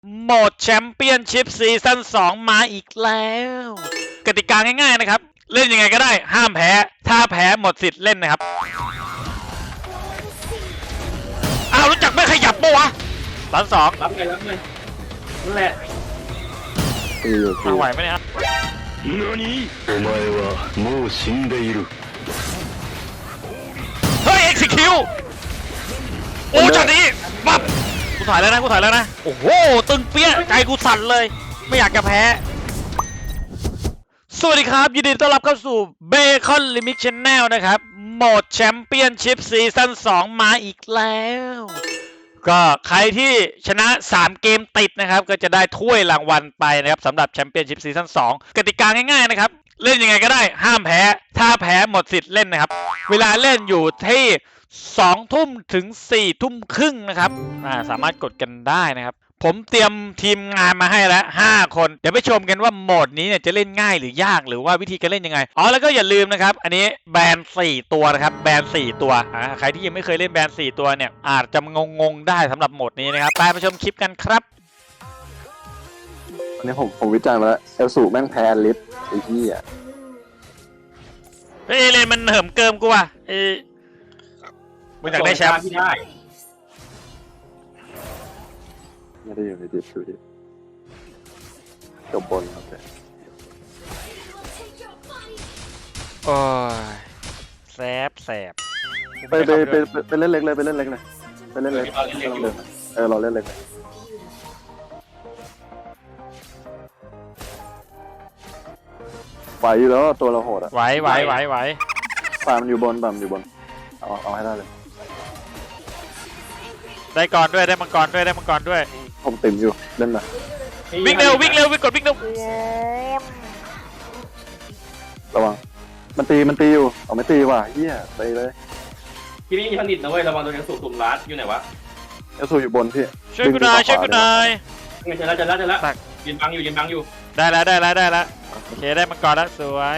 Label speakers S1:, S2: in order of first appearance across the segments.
S1: โหมดแชมเปี้ยนชิพซีซั่น2มาอีกแล้วกติกาง่ายๆนะครับเล่นยังไงก็ได้ห้ามแพ้ถ้าแพ้หมดสิทธิ์เล่นนะครับอ้าวรู้จักไม่ขยับปะวะตอน2
S2: รับเลยนั่นแหละ
S1: มาไหวไหมเนี่ย
S3: お前はもう死んでいる
S1: เฮ้ย execute โอ้จัดนี้ปั๊บกูถ่ายแล้วนะโอ้โหตึงเปี้ยใจกูสั่นเลยไม่อยากจะแพ้สวัสดีครับยินดีต้อนรับเข้าสู่ Bacon Limit Channel นะครับโหมดแชมเปี้ยนชิพซีซั่น2มาอีกแล้วก็ใครที่ชนะ3เกมติดนะครับก็จะได้ถ้วยรางวัลไปนะครับสำหรับแชมเปี้ยนชิพซีซั่น2กติกาง่ายๆนะครับเล่นยังไงก็ได้ห้ามแพ้ถ้าแพ้หมดสิทธิ์เล่นนะครับเวลาเล่นอยู่ที่2 ทุ่มถึง4 ทุ่มครึ่งนะครับสามารถกดกันได้นะครับผมเตรียมทีมงานมาให้แล้ว5 คนเดี๋ยวไปชมกันว่าโหมดนี้เนี่ยจะเล่นง่ายหรือยากหรือว่าวิธีการเล่นยังไงอ๋อแล้วก็อย่าลืมนะครับอันนี้แบน4 ตัวนะครับแบน4 ตัวใครที่ยังไม่เคยเล่นแบน4 ตัวเนี่ยอาจจะงงได้สำหรับโหมดนี้นะครับไปชมคลิปกันครับ
S4: วันนี้ผมวิจารณ์มาแล้วเอลสูแม่งแพ้ลิฟไอ้ที่อ่ะ
S1: เฮ้ยเลยมันเหิมเกิมกูว่ะมึงอยากได้แชมป์
S2: ที่ได้
S4: ไม่ได้อยู่ในดิฟอยู่ดิจบบนครับเลย
S1: โอ้ยแสบ
S4: ไปเล่นเล็กเลยไปเล่นเล็กเลยไปเล่นเล็กเราเล่นเล็กไหวอยู่แล้วตัวเราโหดอ่ะ
S1: ไหว
S4: ปามันอยู่บนเอาให้ได้เลย
S1: ได้ก่อนด้วยได้มังกรด้วย
S4: ผมติ่มอยู่เล่นมา
S1: วิ่งเร็ววิ่งเร็ว
S4: ระวังมันตีอยู่เอาไม่ตีว่ะเฮียไปเลย
S2: ที่นี่มีผลิตนะเว้ยระวังโดนยังสูบตุ่มรัดอยู่ไหนวะ
S4: เอลสูอยู่บนพี่
S1: ช่วยกูหน่อย
S2: เจอแล้วยืนบังอยู่
S1: ได้แล้วโอเคได้มังกรแล้วสวย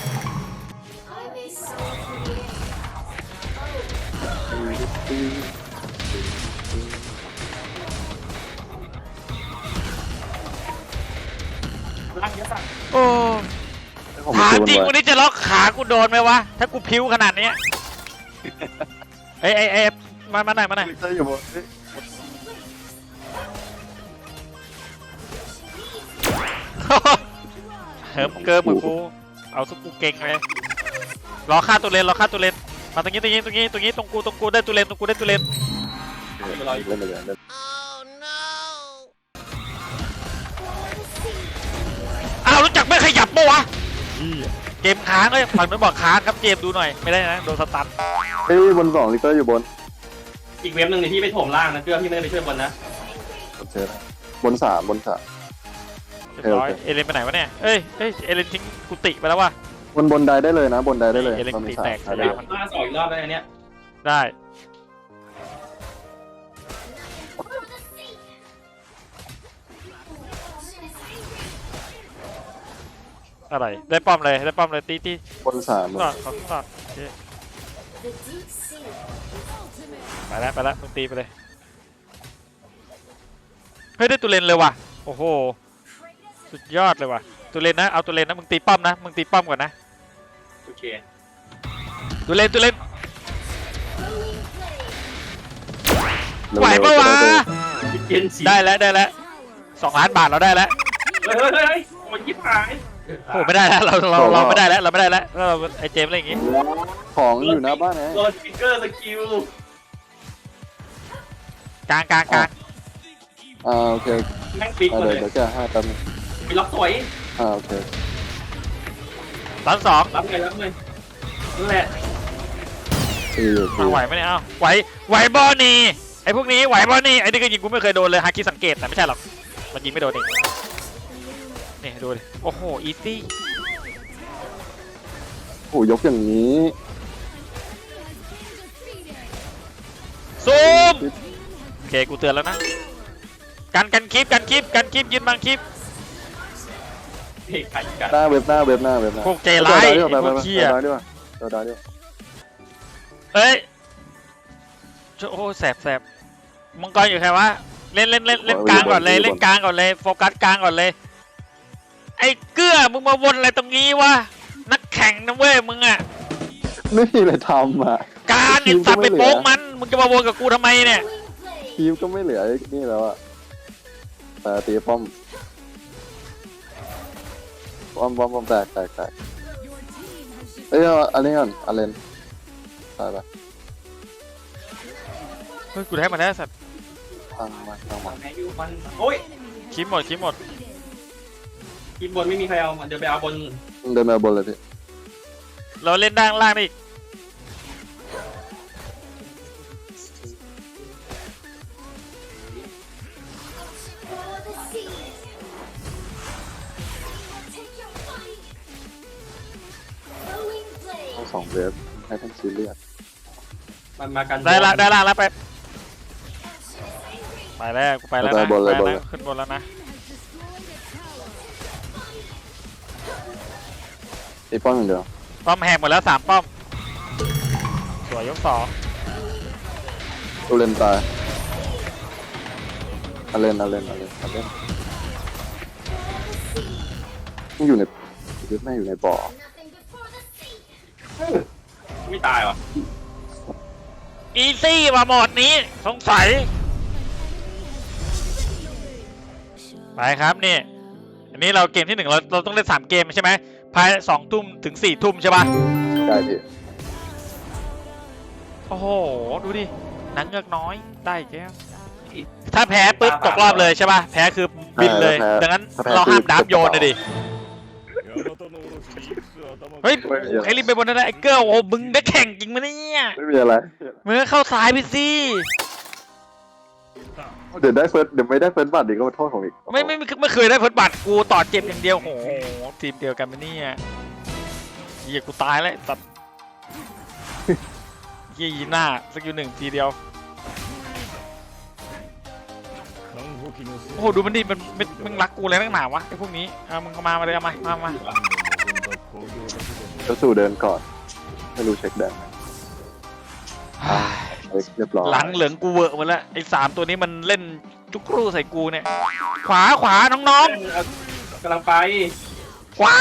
S1: โอ้ถามจริงวันนี้จะล็อกขากูโดนไหมวะถ้ากูพิ้วขนาดนี้เอ้มาหน่อย
S4: อยู่บน
S1: เหิมเกิมมือกูเอาสุกูเก่งเลยรอฆ่าตัวเลนมาตรงนี้ตรงกูได้ตัวเลนเล่นอ้าวรู้จักไม่ขยับปะวะเกมค้างเลยฝั่งนู้นบอกค้างครับเกมดูหน่อยไม่ได้นะโดนสตัน
S4: บน2ลิเตอร์อยู่บน
S2: อีกเว็บหนึ่งที่ไปถมล่างนะเพื่อพี่ไม่ได้ไปช่วยบนนะ
S4: บน3
S1: เอเลนไปไหนวะเนี่ยเอ้ยเอเลนทิ้งกุฏิไปแล้ววะ
S4: บนได้เลยนะบนได้เลย
S1: เอเลนกุฏิแตก
S2: ได้มันล่า2 อีกรอบได้เนี้ย
S1: ได้อะไรได้ป้อมเลยตี
S4: บน3
S1: ก่อนไปแล้วมึงตีไปเลยเฮ้ยได้ตัวเลนเลยว่ะโอ้โหสุดยอดเลยว่ะตัวเลนนะเอาตัวเลนนะมึงตีป้อมก่อนนะ
S2: โอเค
S1: ตัวเลนไหวปะวะได้แล้ว2 ล้านบาทเราได้แล้ว
S2: เฮ้ยมันยิบหาย
S1: โอ้ไม่ได้แล้วเราไม่ได้แล้วเราไอเจมอะไรอย่างงี้
S4: ของอยู่หน้าบ้านไง
S2: โดนสปิเกอร์สกิล
S1: กลาง
S4: โอเค
S2: แม่งปิดเลย
S4: เดี๋ยวจะให้แป๊บนึง
S2: มีล็อกสวย
S4: โอเค
S1: ตอน2
S2: รับเลยนั่นแหละ
S1: ไหวไหมเนี่ยเอ้าไหวบอนี่ไอพวกนี้ไหวบอนี่ไอนี่ก็ยิงกูไม่เคยโดนเลยฮาคิสังเกตแต่ไม่ใช่หรอกมันยิงไม่โดนเองนี่ดูดิโอ้โหอีซี่
S4: โอ้ยกอย่างนี้
S1: ซูมโอเคกูเตือนแล้วนะกันคลิปยืนบังคลิป
S4: หน้าเว็บ
S1: พวกเจร้ายพวกเขี้ย
S4: เฮ้ย
S1: โอ้แสบมังกรอยู่ใครวะเล่นกลางก่อนเลยเล่นกลางก่อนเลยโฟกัสกลางก่อนเลยไอ้เกื้อมึงมาวนอะไรตรงนี้วะนักแข่งนะเว้ยมึงอ่ะ
S4: ไม่มีอะไรทำอ่ะ
S1: การไอ้สัตว์ไปโป๊กมันมึงจะมาวนกับกูทำไมเนี่ย
S4: ทีมก็ไม่เหลือนี่แล้วอ่ะแต่ตีป้อมแตกเอ้ยอันนี้ก่อนอาเลนตายปะ
S1: เฮ้ยกูได้มาแล้วสัตว์
S4: ตั้งมา
S2: แมนยูมันโอ้ย
S1: คลิปหมด
S2: ทีมบนไม่มีใครเอาเดี๋ยวไปเอาบน
S4: เดินมาบนเลยพี่
S1: เราเล่นด้านล่างได้อีก
S4: ต้องสองเวฟให้ท่านซีเรียส
S2: มันมากัน
S1: ได้ล่างแล้วไปแล้วกูไปแล้วนะขึ้นบนแล้วนะ
S4: ตีป้อมอย่างเดียว
S1: ป้อมแหกหมดแล้ว3ป้อมสวยยก2
S4: ตูเลนตายอาเลนมันอยู่ในยึดแม่อยู่ในบ่อ
S2: ไม่ตายวะ
S1: อีซี่มาหมดนี้สงสัยไปครับนี่อันนี้เราเกมที่1เราต้องเล่น3เกมใช่ไหมภาย2 ทุ่มถึง4 ทุ่มใช่ปะ
S4: ได้พี่
S1: โอ้โหดูดิหนังเงือกน้อยได้แก้วถ้าแพ้ปุ๊บตกรอบเลยใช่ปะแพ้คือบินเลยดังนั้นเราห้ามดับโยนเลยดิเฮ้ยใครรีบไปบนนั้นนะไอ้เกิร์ลโอ้มึงได้แข่งจริงมั้ยเนี่ย
S4: ไม่มีอะไร
S1: มึงก็เข้าซ้ายไปสิ
S4: เดี๋ยวไม่ได้เฟิร์สบัตรอีกก็มาโทษของอีก
S1: ไม่เคยได้เพิร์ดบัตรกูต่อเจ็บอย่างเดียวโหทีมเดียวกันมั้ยเนี่ยเหี้ยกูตายแล้วตัดเหี้ยยีหน้าสกิล1ทีเดียวโอ้โหดูมันดิมึงรักกูเลยนักหนาวะไอ้พวกนี้มึงเข้ามาเลยเอามา
S4: ก็สู่เดินก่อนไม่รู้เช็คแดงเรียบร้อย
S1: หลังเหลืองกูเวอร์หมดแล้วไอ้3ตัวนี้มันเล่นจุกรูใส่กูเนี่ยขวาน้อง
S2: กำลังไป
S1: ๆขวา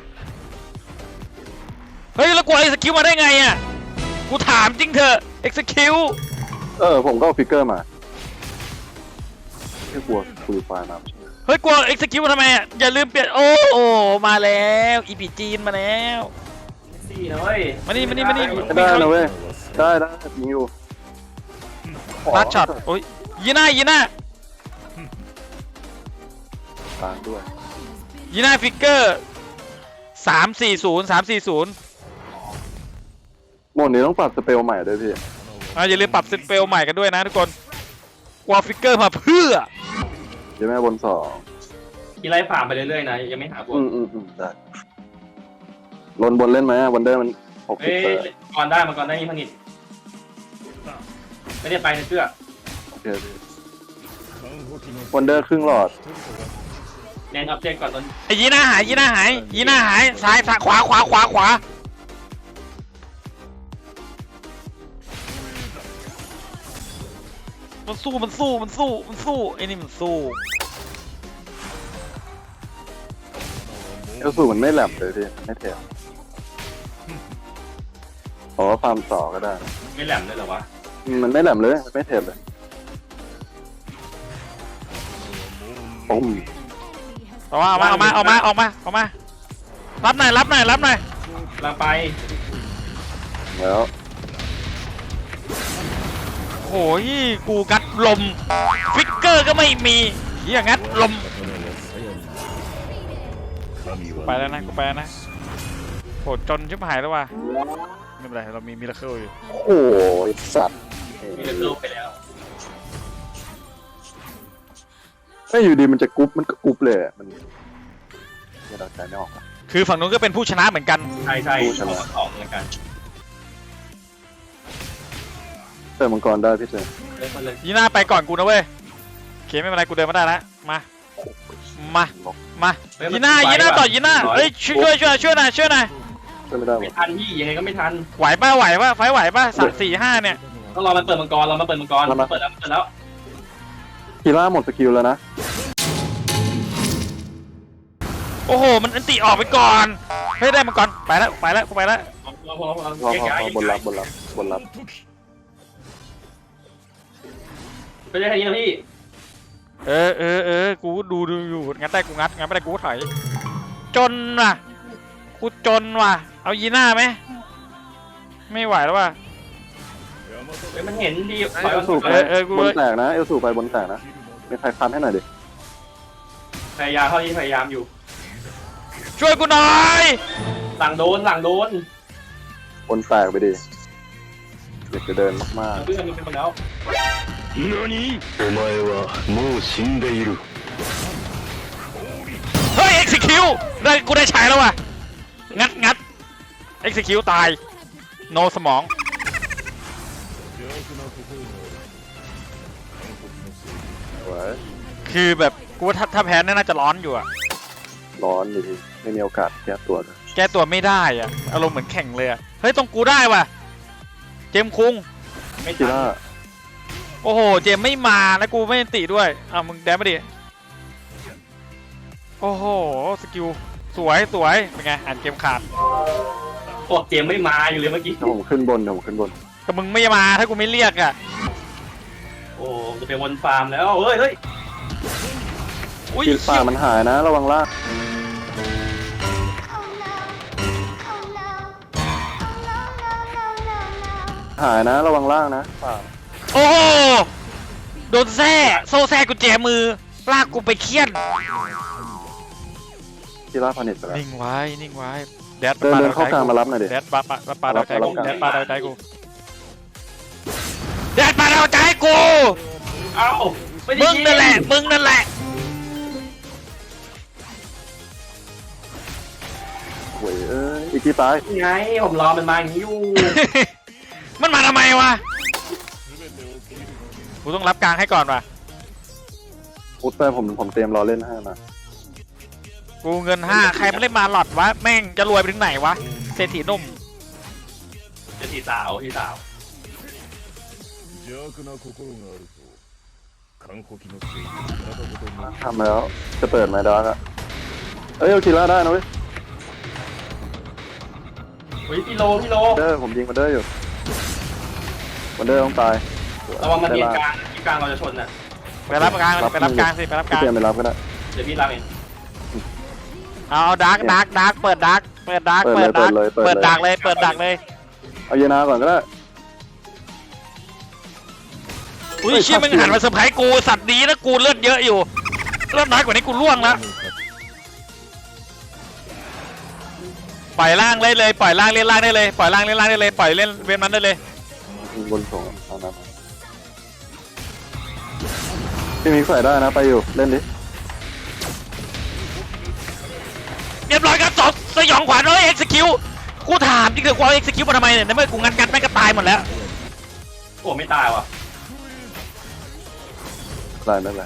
S1: เฮ้ยแล้วกูไอ้สกิลมาได้ไงอ่ะกูถามจริงเถอะ execute
S4: ผมก็เอาฟิกเกอร์มาแค่กลัวคุยไฟล์มาใช่ไหม
S1: เฮ้ยกลัว execute ทำไมอ่ะอย่าลืมเปลี่ยนโอ้มาแล้วอีพีจีนมาแล้ว
S2: ซี่นะเว้ย
S1: มานี่
S4: ได้นะเว้ยได้ยิงอยู่
S1: ลัดช็อตโอ้ยยีน่า
S4: ตางด้วย
S1: ยีน่าฟิกเกอร์340
S4: หมดนี้ต้องปรับสเปลใหม่ด้วยพี่
S1: อย่าลืมปรับเซตเปลใหม่กันด้วยนะทุกคนกลัวฟิกเกอร์มาเพื่อ
S4: เดี๋ยวแม่บน2
S2: กีไล่ผ่านไปเรื่อยๆนะยังไม่หาบน
S4: ได้ลนบนเล่นไหมวันเดอร์มัน60
S2: เอ้ยก่อนได้มีผลิตไม่ได้ไปนะเชื่อ
S4: โอเควันเดอร์ครึ่งหลอด
S2: แนนอัพเจนก่อนตอน
S1: ไอ้ยีน่าหายซ้ายขวามันสู้ไอ้นี่มันสู้
S4: เอลสูมันไม่แหลมเลยพี่ไม่เทมฟาร์มต่อก็ได้
S2: ไม่แหลมเลยเหรอวะ
S4: มันไม่แหลมเลยไม่เทมเลยปุ้ม
S1: เอามารับหน่อย
S2: กำลังไป
S4: แล้ว
S1: โอ้ยกูงัดลมฟิกเกอร์ก็ไม่มีเฮียงัดลมไปแล้วนะโหจนชิบหายแล้วว่ะไม่เป็นไรเรามีมิราเคิลอยู่
S4: โอ้ยสัตว์
S2: มีเลือกไปแล้ว
S4: ถ้าอยู่ดีมันจะกรุ๊ปมันก็กรุ๊ปเลยมันไม่เราใจไม่ออก
S1: คือฝั่งนู้นก็เป็นผู้ชนะเหมือนกัน
S2: ใช่ออกเหมือนกัน
S4: เติมมังกรได้พี่เจ
S2: เลย
S1: ยีน่าไปก่อนกูนะเว้ยโอเคไม่เป็นไรกูเดินมาได้แล้วมายีน่าต่อยีน่าเอ้ยช่วยหน่อย
S4: ช่วยไม่ได้หม
S2: ไม่
S4: ด
S2: ทันพี่ยังไงก็ไม่ทัน
S1: ไหวป่ะไฟไหวป่ะ3 4 5เนี่ย
S2: ต้องรอมันเปิดมังกรเรามาเปิดมังกรเปิดแล้ว
S4: คีร่าหมดสกิลแล้วนะ
S1: โอ้โหมันอันติออกไปก่อนเฮ้ยได้มาก่อนไปแล้วไปแล้วกูไปแล้ว
S2: พอ
S4: พอ
S2: แยกย้าย
S4: บนรับบนรับ
S2: ก็ได้แค่นี้นะพี่
S1: กูดูอยู่งัดได้กูงัดงัดไม่ได้กูถอยจนว่ะกูจนว่ะเอายีน่าไหมไม่ไหวแล้วว่ะ
S2: เฮ้ยมันเห็นดี
S4: เอลสูไป
S1: กู
S4: บนแตกนะเอลสูไปบนแตกนะมีใครคันให้หน่อยดิ
S2: พยายามเท่าที่พยายามอยู่
S1: ช่วยกูหน่อย
S2: หลังโดน
S4: บนแตกไปดิเด็กจะเดินมาก
S2: เพื่อนมันเป็นคนแล้ว
S3: 何お前はもう死んでいる
S1: เฮ้ย execute ได้กูได้ใช้แล้วว่ะงัด execute ตาย no สมอง
S4: ๆไว้
S1: คือแบบกูว่าถ้าแพ้น่าจะร้อนอยู่อะ
S4: ร้อนดิไม่มีโอกาสแก้ตัวนะ
S1: แก้ตัวไม่ได้อะอารมณ์เหมือนแข่งเลยอะเฮ้ยตรงกูได้ว่ะเจมส์คุง
S2: ไม่
S4: คี
S2: ทัน
S4: ร่า
S1: โอ้โหเจมส์ไม่มาแล้วกูไม่ติด้วยอ้าวมึงแดนมาดิโอ้โหสกิลสวยเป็นไงอ่านเกมขาด
S2: พวกเจมไม่มาอยู่เลยเมื่อกี้
S4: ถ้าผมขึ้นบน
S1: ก็มึงไม่มาถ้ากูไม่เรียกอะ
S2: โอ้จะไปวนฟาร์มแล้วเฮ้ย
S1: อุ้ย
S4: คีร่ามันหายนะระวังล่างหายนะระวังล่างนะป่า
S1: โอ้โหโดนแซ่โซ่แซ่กุญแจมือลากกูไปเคี่ยน
S4: คีร่าพานิชไปแล้ว
S1: นิ่งไว้แดด
S4: เดินเข้ากลางมารับหน่อยดิ
S1: แดดปาดาวใจกู
S4: รับ
S1: แดดปาดาวใจกูแดดปาดาวใจกู
S2: เอ้าไม่ได้
S1: มึงนั่นแหละ
S4: โว้ยอีกทีตาย
S2: ไงผมรอมันมาอย่างนี้อยู่
S1: มันมาทำไมวะกูต้องรับกลางให้ก่อนว่ะ
S4: พุทธไปผมเตรียมรอเล่นให้มา
S1: กูเงิน5ใครไม่ได้มาหลอดวะแม่งจะรวยไปถึงไหนวะเศรษฐีหนุ่ม
S2: จะทีสาว
S3: 邪悪な心があると完璧のせいで体ごとに
S4: ทำแล้วจะเปิดไหมดาร์กอะเอาคีร่าได้นะเว้ย
S2: เฮ้ยพี่โล
S4: ผมยิงมันเดอร์อยู่มันเดอร์ต้องตาย
S2: ระวังมันเรียนกลางที่กลางเราจะชนน่ะ
S1: ไปรับกลางสิไปรับกลาง
S4: พี่เตรียมไปรับก็ได้
S2: เดี๋ยวพี่รับเอง
S1: เอาดาร์กเปิดดาร์กเปิดดาร์กเลย
S4: เอาเยนาก่อนก็ได้
S1: อุ้ยเชี่ยมึงหันมาเซอร์ไพรส์กูสัตว์ดีนะกูเลือดเยอะอยู่เลือดน้อยกว่านี้กูล่วงแล้วปล่อยล่างเลยปล่อยล่างเล่นล่างได้เลยปล่อยล่างเล่นล่างได้เลยปล่อยเล่นเวนมันได้เลย
S4: บนส่งเอาน้ำพี่มิกใส่ได้นะไปอยู่เล่นดิ
S1: เรียบร้อยครับสยองขวัญเอ้ยเอ็กซ์คิวกูถามจริงๆกูเอาเอ็กซ์คิวมาทำไมเนี่ยในเมื่อกูงัดแม่งก็ตายหมดแล้ว
S2: โอ้ไม่ตายว่ะ
S4: ได้ไม่เป็นไร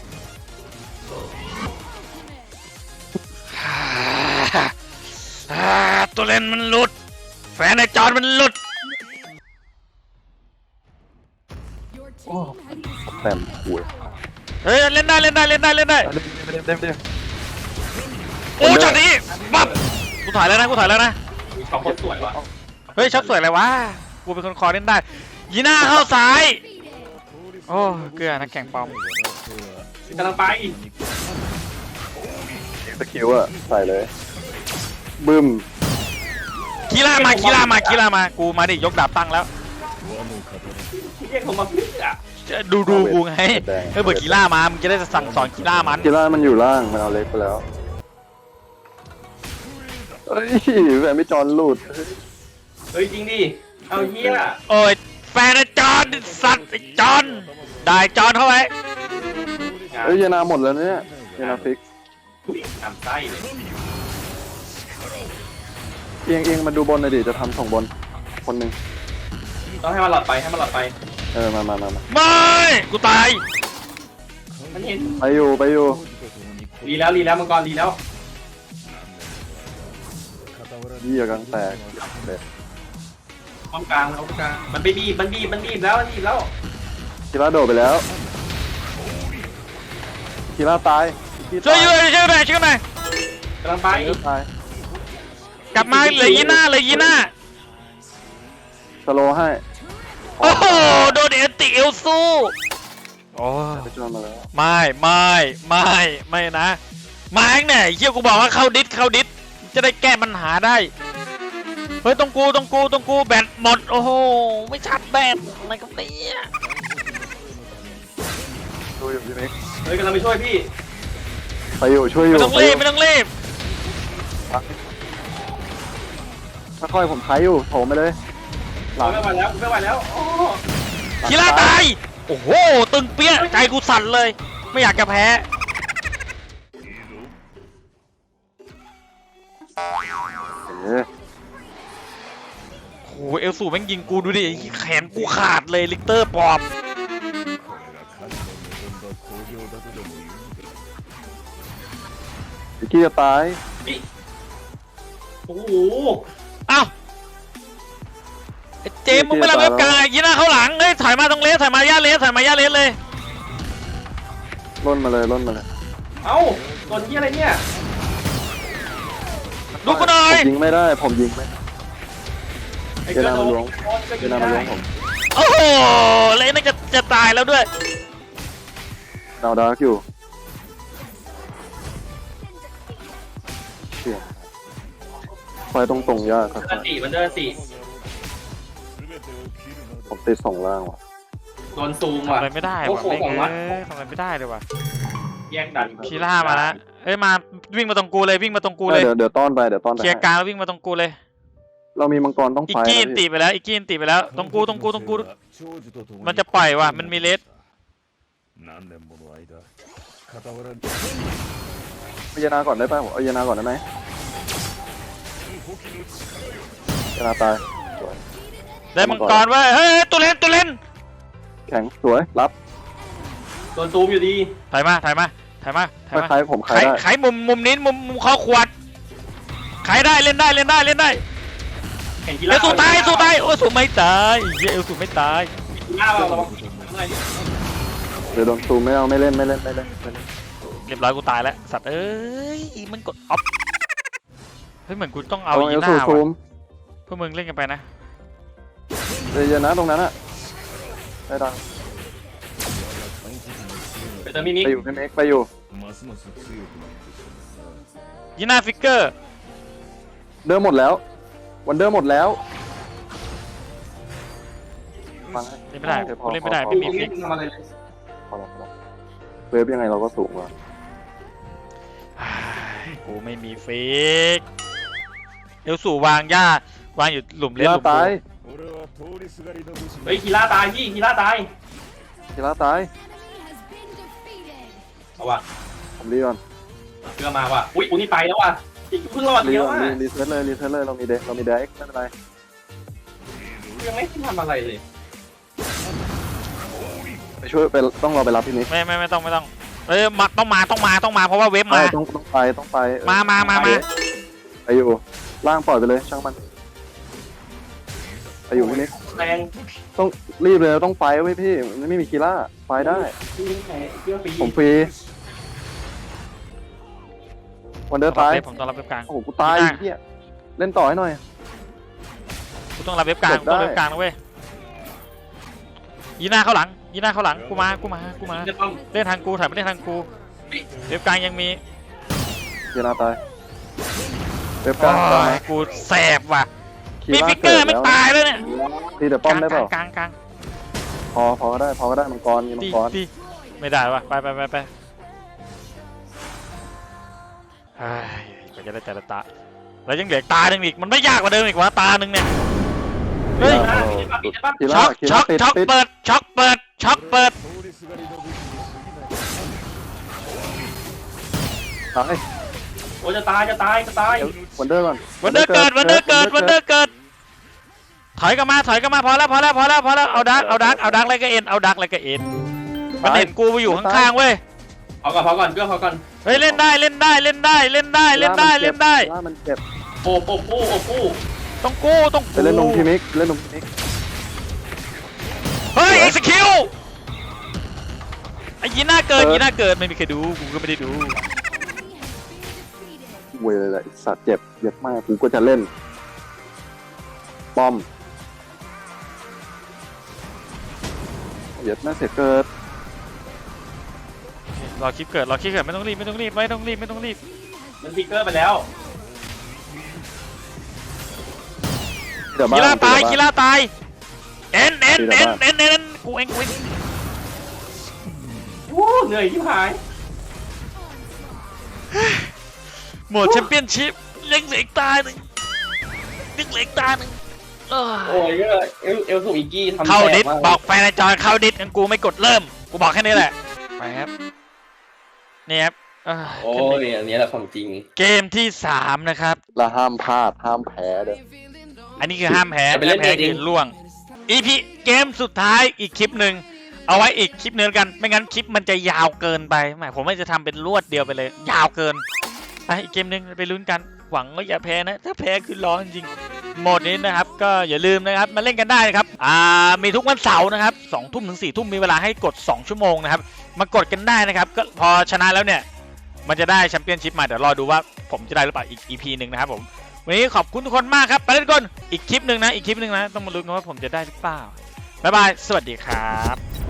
S1: ตัวเล่นมันหลุดแฟนในจอนมันหลุด
S4: แต้มป่วย
S1: เฮ้ยเล่นได้
S4: เล่น
S1: โอ้ช็อตนี้ปั๊บกูถอยแล้วนะ
S2: สองคนสวยว่ะ
S1: เฮ้ยช็อตสวยอะไรวะกูเป็นคนคอเล่นได้ยีน่าเข้าซ้ายโอ้เกลือนักแข่งปอม
S2: กำลังไป
S4: สกิลอะใส่เลยบึ้ม
S1: คีล่ามากูมาดิยกดาบตั้งแล้ว
S2: เรียกผมมาเพื่อ
S1: ดูกูไงเฮ้ยเบิร์ดคีล่ามามึงจะได้สั่งสอนคีล่ามัน
S4: กีฬามันอยู่ล่างมันเอาเล็กไปแล้วเฮ้ยแฟนไม่จอนหลุด
S2: เฮ้ยจริงดิเอาเหี้ย
S1: โอ้ยแฟนไอ้จอนสัตว์ไอ้จอนได้จอนเข้าไว้
S4: เฮ้ยเยนาหมดแล้วเนี่ยเยนาฟิก
S2: ทำไส้เลย
S4: เอียงมาดูบนหน่อยดิจะทำส่งบนคนหนึ่ง
S2: ต้องให้มันหลอดไป
S4: มา
S1: ไม่กูตาย
S2: มันเห็น
S4: ไปอยู่
S2: รีแล้วมังกรรีแล้ว
S4: ยี่กลางแตกเด็ด
S2: ป้อมกลางมันบีบแล้ว
S4: กีฬาโดดไปแล้วคีร่าตาย
S1: ช่วยอยู่ช่วยหน่อยช่วยหน่อย
S2: กำลังไป
S4: คีร่าตาย
S1: กลับมาเหลยยีน่าเลยยีน่า
S4: สโลว์ให้
S1: โอ้โหโดนเอติเอลซูโอ้
S4: ไปช่วยมาแล้ว
S1: ไม่นะมาเองเนี่ยเฮียกูบอกว่าเข้าดิสจะได้แก้ปัญหาได้เฮ้ยตรงกูแบตหมดโอ้โหไม่ชัดแบตอะไรกับเนี่ย
S4: ดูอยู่พี่มิก
S2: เฮ้ยกำลังไปช่วยพี่
S4: ไปอยู่ช่วยอยู่
S1: ไม่ต้องรีบไม่ต้องรีบ
S4: ค่อยๆผมไถอยู่โถมไปเลยหลัง
S2: ไม่ไหวแล้วไม่ไหวแล้วโอ้
S1: คีร่าตายโอ้โหตึงเปี้ยใจกูสั่นเลย ไม่อยากจะแพ้โอ้โหเอลสูแม่งยิงกูดูดิแขนกูขาดเลยลิกเตอร์ปอบ
S3: これが神の望んだ興行だとでも言うのか。
S4: วิกกี้จะตาย
S2: โอ้โห
S1: อ้าวไอ้เจมส์มึงไม่รับเว็บกลางยีน่าเข้าหลังเฮ้ยถอยมาตรงเลสถอยมาย่าเลสเลย
S4: ล่นมาเลย
S2: เอ้าโดนที่อะไรเนี่ย
S1: ดูกูหน่อ
S4: ผ
S1: ย
S4: มยิงไม่ได้ผมยิงไม่
S2: ไอ้เจ้าโดนก็
S4: เจ
S2: ยิง
S4: นามา
S2: ได้
S4: ล้วงผม
S1: โอ้โหเลสน่าจะตายแล้วด้วย
S4: ดาวดาร์กอยู่เชี่ยไฟตรงๆยากครับ
S2: มันเดินสี่
S4: ผมติด2ล่างว่ะ
S2: โดนซูม
S1: ทำ
S2: ว่ะ
S1: อะไรไม่ได้
S2: โอ้
S1: ว่ะ
S2: โห
S1: แม่ง
S2: ของวัด
S1: ทำอะไรไม่ได้เลยว่ะ
S2: แยกดัน
S1: คีร่ามาแล้วเฮ้ยมาวิ่งมาตรงกูเลยวิ่งมาตรงกูเลย
S4: เดี๋ยวต้อนไป
S1: เคลียร์กลางแล้ววิ่งมาตรงกูเลย
S4: เรามีมังกรต้อง
S1: อี
S4: ไฟ
S1: กกี้
S4: นะ
S1: ตี
S4: พี่
S1: ไปแล้วอีกกี้ตีไปแล้วตรงกูมันจะปล่อยว่ะมันมีเลส
S3: 何年もの間傍らに
S4: เอาเยนาก่อนได้ป่ะผมเอาเยนาก่อนได้ไหมเยนาตายสวย
S1: ได้มังกรเว้ยเฮ้ยตัวเล่น
S4: แข็งสวยรับ
S2: โดนซูมอยู่ดี
S1: ถอยมา
S4: คล้ายๆผมคล้ายได้
S1: ไขมุมนี้มุมข้อขวดไขได้เล่นได้
S2: เห็นกี
S1: เอ
S2: ฬา
S1: ลสูตายโอ้สูไม่ตายเหี้ยเอลสูไม่ตาย
S2: กีฬาเราระวังอะไร
S4: เดี๋ยวโดนซูมไม่เล่น
S1: เรียบร้อยกูตายแล้วสัตว์เอ้ยมันกดออฟเฮ้ยเหมือนกูต้องเอา
S4: เอา
S1: อี
S4: เอล
S1: ห
S4: ซู
S1: น้า
S4: ซู
S1: ว่ะ
S4: ม
S1: พวกมึงเล่นกันไปนะ
S4: เยอะนะตรงนั้นอะได้ดัง
S2: ไปเติมมิมิ
S4: ไปอยู่พี่เมกไปอยู่
S3: ますます強くなってきたな。
S1: ยีน่าฟิกเกอร์
S4: เดิมหมดแล้ววันเดิมหมดแล้วฟังให้
S1: เล่นไม่ได้
S4: โอเคพอ
S1: กูเล่นไม่ได้
S4: พอ
S1: ไม่
S2: มิ
S1: มี
S2: มิ
S1: ฟิก
S2: ทำอะไรเลย
S4: พอแล้วเวฟยังไงเราก็สูงกว่า
S1: กูไม่มีฟิกเอลสูวางหญ้าวางอยู่หลุมเล่นห
S4: กีฬา
S1: ลุม
S4: ตาย
S3: 俺は通りすがりの武士
S2: เฮ้ยกีฬาตายพี่กีฬาตาย
S4: กีฬาตาย
S2: เอาว่ะ
S4: ผมรีก่อน
S2: เพื่อมาว่ะอุ้ยนี่ไปแล้วว่ะเพิ่งรอด
S4: รี
S2: เดียว
S4: ก่อน
S2: อ่ะ
S4: รีเซ็ตเลยเรามีเด็กไม่เป็นไร
S2: ยังไม่ทำอะไรเลย
S4: ไปช่วยไปต้องรอไปรับพี่นิก
S1: ไม่ต้องเอ้ยต้องมาเพราะว่าเว็บมา
S4: ต้องไป
S1: มา
S4: ไปอยู่ล่างปล่อยไปเลยช่างมันไปอยู่พี่นิก
S2: แรง
S4: ต้องรีบเลยต้องไฟไว้พี่มันไม่มีกีฬาไฟได้
S2: ที่แพ้เพื่อปี
S4: ผมฟรีวันเดอร์ตาย
S1: ผมต้องรับเว็บกลาง
S4: โอ้โหกูตายเฮียเล่นต่อให้หน่อย
S1: กูต้องรับเว็บกลาง
S4: จบได้
S1: ต้องเว็บกลางนะเว้ยยีน่าเข้าหลังกูมา
S2: จะต้อง
S1: เล่นทางกูถ่ายไม่เล่นทางกูเว็บกลางยังมี
S4: เกียร์นาตายเว็บกลาง
S1: โอ้ยกูแสบว่ะมีฟิกเกอร์ไม่ตายแล้วเนี่ย
S4: ตีเดี๋ยวป้อมได้เปล่าก
S1: ลาง
S4: พอก็ได้มังกรมีมังกร
S1: ตีไม่ได้ว่ะไปเฮ้ยก็จะได้แต่ละตาแล้วยังเหลือตาหนึ่งอีกมันไม่ยากกว่าเดิมอีกวะตาหนึ่งเนี่ยเฮ้ย
S4: กีฬา
S1: ช็อก
S4: ติด
S1: เปิดช็อกเปิด
S3: 通りすがりの武士に過ぎない。
S4: ตาย
S2: โอ้จะตาย
S4: วันเดอร์ก่อน
S1: วันเดอร์เกิดถอยกลับมาพอแล้วเอาดักอะไรก็เอ็นมันเห็นกูไปอยู่ข้างๆเว้ย
S2: พอก่อนเพื่อพอก่อน
S1: เฮ้ยเล่นได้
S4: กีฬามันเจ็บ
S2: โอ้ปู
S1: ต้องกู้
S4: ไปเล่นนมพิมิก เ
S1: เฮ้ย execute ไอ้ยีน่าเกิดยีน่าเกิดไม่มีใครดูกูก็ไม่ได้ดู
S4: เว้ยเลยสัตว์เจ็บเย็บมากกูก็จะเล่นป้อมเย็บแม่เสียเกิด
S1: รอคลิปเกิดไม่ต้องรีบไม่ต้องรีบ
S2: มันฟิกเกอร์ไปแล้ว
S4: เดี๋ยว
S1: กีฬาตาย
S4: เดี๋ว
S1: กีฬาตายเอ็นกูเอง
S2: โอ้เหนื่อยที่หาย
S1: หมดแชมเปี้ยนชิพเล็งเหล็กตาหนึ่ง
S2: โอ้ยเอลสูอีกกี้ทำ
S1: เข้าดิส
S2: แตกม
S1: บอกแฟนในจอเข้าดิสงั้นกูไม่กดเริ่มกูบอกแค่นี้แหละไปครับนี่ครับ
S2: โอ้ยอันนี้แหละของจริง
S1: เกมที่3นะครับ
S4: แล้วห้ามพลาดห้ามแพ้เด้อ
S1: อันนี้คือห้ามแพ้คือล่วง EP เกมสุดท้ายอีกคลิปหนึ่งเอาไว้อีกคลิปนึงกันไม่งั้นคลิปมันจะยาวเกินไปหมายผมว่าจะทำเป็นรวดเดียวไปเลย ยาวเกินไปอีกเกมหนึ่งไปลุ้นกันหวังว่าอย่าแพ้นะถ้าแพ้คือร้องจริงโหมดนี้นะครับก็อย่าลืมนะครับมาเล่นกันได้นะครับมีทุกวันเสาร์นะครับ2 ทุ่มถึง4 ทุ่มมีเวลาให้กด2 ชั่วโมงนะครับมากดกันได้นะครับก็พอชนะแล้วเนี่ยมันจะได้แชมเปี้ยนชิพมาเดี๋ยวรอดูว่าผมจะได้หรือเปล่าอีก EP หนึ่งนะครับผมวันนี้ขอบคุณทุกคนมากครับไปเล่นกันอีกคลิปหนึ่งนะต้องมาลุ้นกันว่าผมจะได้หรือเปล่าบ๊ายบายสวัสดีครับ